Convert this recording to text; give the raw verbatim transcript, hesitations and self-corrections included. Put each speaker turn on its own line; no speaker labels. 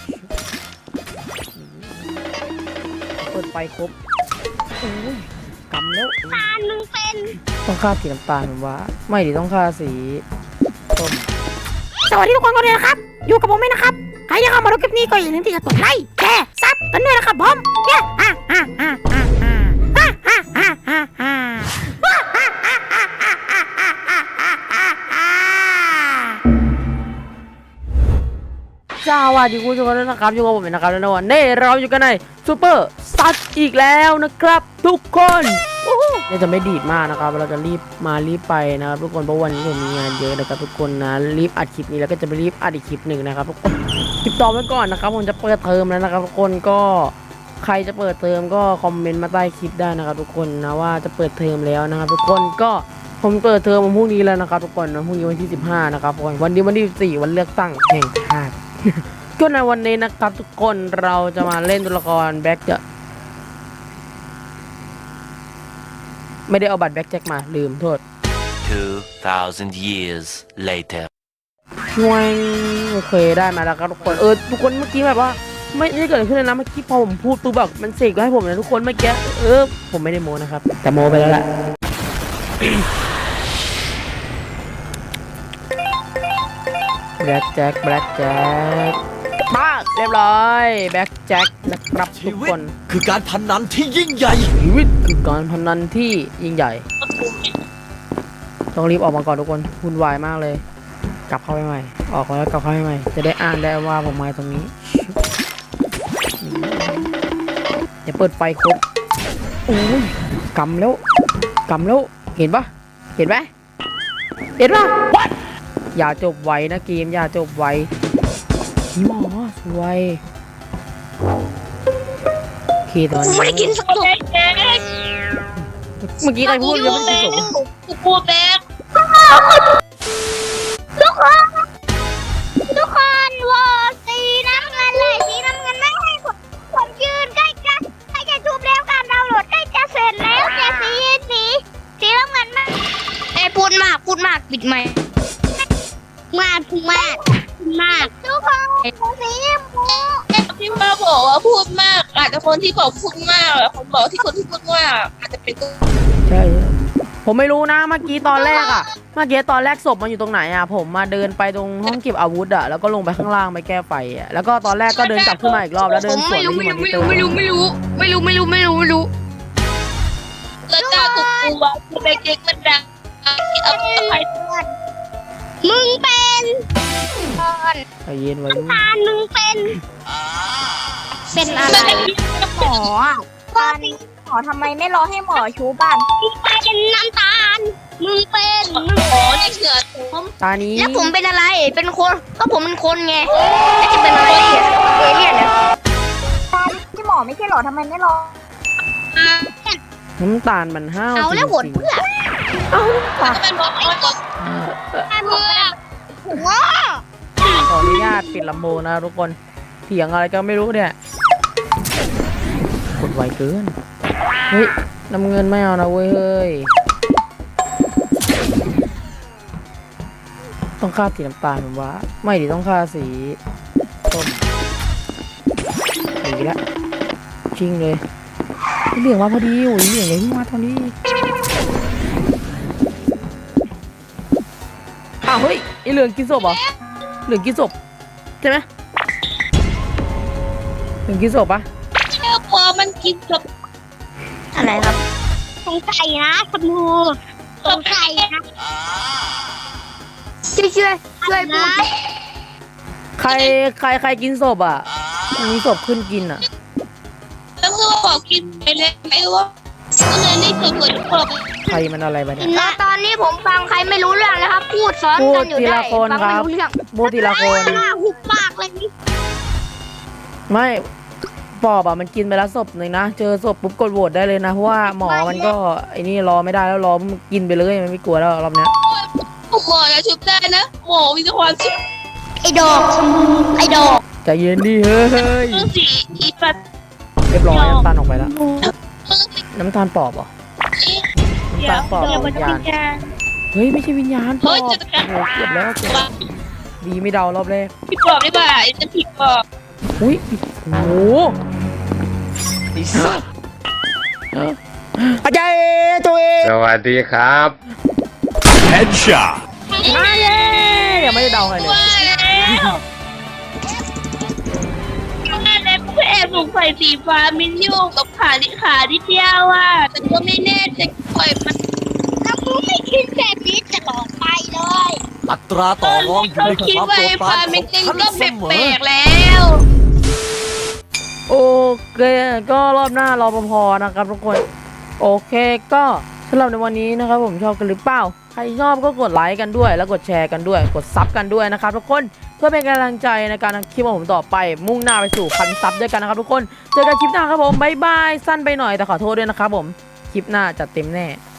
เปิดไฟครบโอ้ยกำแล้ว
ตาลมึงเป็น
ต้องฆ่าสีน้ำตาลผมว่าไม่ดิต้องฆ่าสีส้มสวัสดีทุกคนกันเลยนะครับอยู่กับผมเองนะครับใครอยากเข้ามาดูคลิปนี้ก็อย่าลืมที่จะกดไลค์แชร์ซับกันด้วยนะครับผมเนี่ยฮ่าฮ่าฮ่าฮ่าฮ่าฮ่าฮ่าฮ่าฮ่าสวัสดีคุณผู้ชมด้วยนะครับอยู่กับผมนะครับในวันนี้เราอยู่กันในซูเปอร์ซัดอีกแล้วนะครับทุกคนเราจะไม่ดีดมากนะครับเราจะรีบมารีบไปนะครับทุกคนเพราะวันนี้ผมมีงานเยอะนะครับทุกคนนะรีบอัดคลิปนี้แล้วก็จะไปรีบอัดอีกคลิปหนึ่งนะครับทุกคนคลิปต่อไว้ก่อนนะครับผมจะเปิดเทอมแล้วนะครับทุกคนก็ใครจะเปิดเทอมก็คอมเมนต์มาใต้คลิปได้นะครับทุกคนนะว่าจะเปิดเทอมแล้วนะครับทุกคนก็ผมเปิดเทอมวันพรุ่งนี้แล้วนะครับทุกคนนะพรุ่งนี้วันที่สิบห้านะครับวันนี้วันที่สิบสี่วันเลือกตั้งแห่งชาติก็ในวันนี้นะครับทุกคนเราจะมาเล่นตัวละครแบ็คจะไม่ได้เอาบัตรแบ็คแจ็คมาลืมโทษ
two thousand years later
ช่วยโอเคได้มาแล้วครับทุกคนเออทุกคนเมื่อกี้แบบว่าไม่ได้เกิดขึ้นเลยนะเมื่อกี้พอผมพูดตัวแบบมันเสกให้ผมนะทุกคนเมื่อกี้เออผมไม่ได้โมนะครับแต่โมไปแล้วแหละแบล็คแจ็คแบล็คแจ็คป้าเรียบร้อยแบล็คแจ็คนะครับทุกคน
คือการพนันที่ยิ่งใหญ่
ชีวิตคือการพนันที่ยิ่งใหญ่ต้องรีบออกมาก่อนทุกคนวุ่นวายมากเลยกลับเข้าไปใหม่ออกแล้วกลับเข้าไปใหม่จะได้อ่านได้ว่าผมมาตรงนี้เดี๋ยวเปิดไฟครบโอ้ยกำแล้วกำแล้วเห็นปะเห็นไหมเห็นปะอย่าจบไวนะเกมอย่าจบไวพี่หมอสวยโอเคตอนนี้
ไม่ได้กินสักตัว
เมื่อกี้ใครพูดยังไม่ได้กินสุก
กูพูดแบ๊กทุกคนทุกคนวอสีน้ำเงินเลยสีน้ำเงินไม่ให้ผมผมยืนใกล้จะใกล้จะจูบแล้วการดาวน์โหลดใกล้จะเสร็จแล้วแต่สีสีสีน้ำเงินมากเอ้พูดมากพูดมากปิดไมค์มากพูดมากมากทุกคนสีชมพู
ที่มาบอกว่าพูดมากอาจจะคนที่บอกพูดมากผมบอกที่คนที่พูดมากอาจจะเป็น
ใช่ผมไม่รู้นะเมื่อกี้ตอนแรกอะเมื่อกี้ตอนแรกศพมันอยู่ตรงไหนอะผมมาเดินไปตรงห้องเก็บอาวุธอะแล้วก็ลงไปข้างล่างไปแก้ไฟอะแล้วก็ตอนแรกก็เดินกลับขึ้นมาอีกรอบแล้วเดินสวนที่มอนิเตอร์
ไม่รู้ไม่รู้ไม่รู้ไม่รู้ไม่รู้ไม่รู้
แล้วเจ้าตัวตัวที่เด็กๆมันดังเอาไป
มึงเป็น
ใจเย็นไว้
ตาลมึงเป็นเป็นอะไรหมอตาลหมอทำไมไม่รอให้หมอชูบ้านเป็นน้ำตาลมึงเป็นมึง
หมอนี่เสือผม
ตานี้
แล้วผมเป็นอะไรเป็นคนก็ผมเป็นคนไงแล้วจะเป็นอะไรเอเลี่ยนเนี่ยตาลที่หมอไม่ใช่หรอทำไมไม่รอ
น้ำตาลมันห้าว
เอาแล้วหดเพื่อ
เอาปาก
เป็นหมอเ
พื่อ
ขออนุญาตปิดลำโพงนะทุกคนเถียงอะไรก็ไม่รู้เนี่ยกดไวเกินเฮ้ยน้ำเงินไม่เอานะเว้ยเฮ้ยต้องฆ่าสีน้ำตาลผมว่าไม่ดิต้องฆ่าสีส้มหนีละชิงเลยเหลืองมาพอดีโอ้ยเหลืองเลยที่มาตอนนี้อ้าวเฮ้ยไอเหลืองกินศพเหรอเหลืองกินศพใช่ไหมเหลืองกินศพปะ
เจ้าปอมันกินศพ
อะไรครับสงสัยนะชมพูสงสัยนะช่วยช่วยช่วยพูด
ใครใครใครกินศพอ่ะมีศพขึ้นกินอ่ะ
แล้วก็บอกกินไปเลยไม่ว่าก็เลยนี่คือคนศพ
ใครมันอะไรไปเนี่ย
แล้วตอนนี้ผมฟังใครไม่รู้เรื่องนะครับพูดซ้อนกันอยู่ได้ฟังไม่รู้เรื่อง
พูดทีละคน
หุบปากเลย
ไม่ปอบอ่ะมันกินไปแล้วศพหนึ่งนะเจอศพปุ๊บกดโหวตได้เลยนะเพราะว่าหมอมันก็ไอ้นี่รอไม่ได้แล้วรอมันกินไปเลยมันไม่กลัวแล้วรอบเนี้ย
หมอจะชุบได้นะหมอมีความชุบ
ไอ้ดอกไอ้ดอก
ใจเย็นดิเฮ้ย
สีอีปัด
เรียบร้อยน้ำตาลออกไปแล้วน้ำตาลปอบเหรอน้ำตาลปอบวิญญาณเฮ้ยไม่ใช่วิญญาณปอบโอ้โหเกือบแล้วเกือบดีไม่เดารอบแรก
ผิดปอบได้ป่ะจะผิดปอบ
อุ้ยโอ้โห
ไอ้สัส
อาจารย์ตัวเอง
สวัสดีครับ
Headshot.
มาเย้ยังไม่ได้เดาใครเลย
ว่าแล้วว่าแล้วกูแอบสงสัยสีฟ้ามินยูกับขาดิขาดิเดียวอ่ะแต่ก็ไม่แน่จะปล่อยมัน
แล้วกูไม่คิดแบบนี้ตลอดไปเลย
อัตราต่อรองอยู่
เขา
ใน
คิด
ความ
ว่า
โปร
ไอ้
ดปรา
ฟ้าน
ข
มิ
อน ง
ยู
ฉัน
ก็
เสม
แปล
อก
ๆแล้ว
โอเคก็รอบหน้ารอปภนะครับทุกคนโอเคก็สำหรับในวันนี้นะครับผมชอบกันหรือเปล่าใครชอบก็กดไลค์กันด้วยแล้วกดแชร์กันด้วยกดซับกันด้วยนะครับทุกคนเพื่อเป็นกำลังใจในการทำคลิปของผมต่อไปมุ่งหน้าไปสู่พันซับด้วยกันนะครับทุกคนเจอกันคลิปหน้าครับผมบ๊ายบายสั้นไปหน่อยแต่ขอโทษด้วยนะครับผมคลิปหน้าจัดเต็มแน่